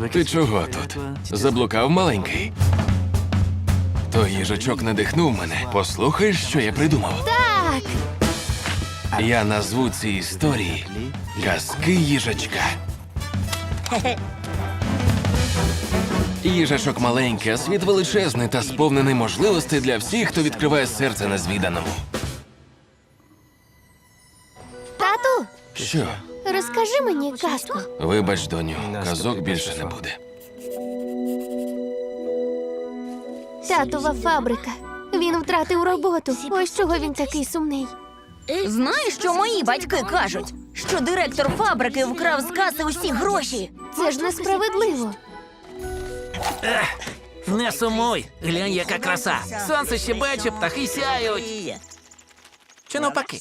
Ти чого тут? Заблукав маленький? Той їжачок надихнув мене. Послухаєш, що я придумав? Так! Я назву ці історії «Казки їжачка». Їжачок маленький, а світ величезний та сповнений можливостей для всіх, хто відкриває серце незвіданому. Тату, Що? розкажи мені казку. Вибач, доню, казок більше не буде. Татова фабрика. Він втратив роботу. Ось чого він такий сумний. Знаєш, що мої батьки кажуть? Що директор фабрики вкрав з каси усі гроші. Це ж несправедливо. Не сумуй, глянь, яка краса. Сонце щебече, птахи сяють. Чи навпаки?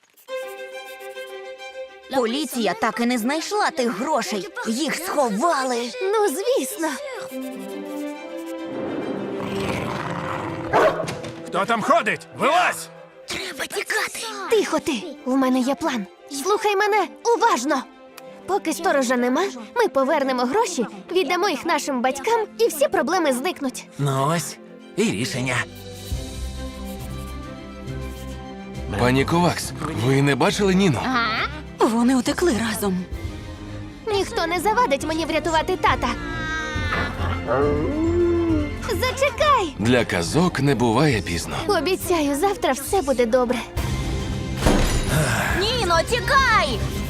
Поліція так і не знайшла тих грошей. Їх сховали. Ну, звісно. Хто там ходить? Вилазь! Треба тікати. Тихо ти. У мене є план. Слухай мене уважно. Поки сторожа нема, ми повернемо гроші, віддамо їх нашим батькам, і всі проблеми зникнуть. Ну ось, і рішення. Пані Ковакс, ви не бачили Ніну? Вони утекли разом. Ніхто не завадить мені врятувати тата. Зачекай! Для казок не буває пізно. Обіцяю, завтра все буде добре. Ніно, тікай!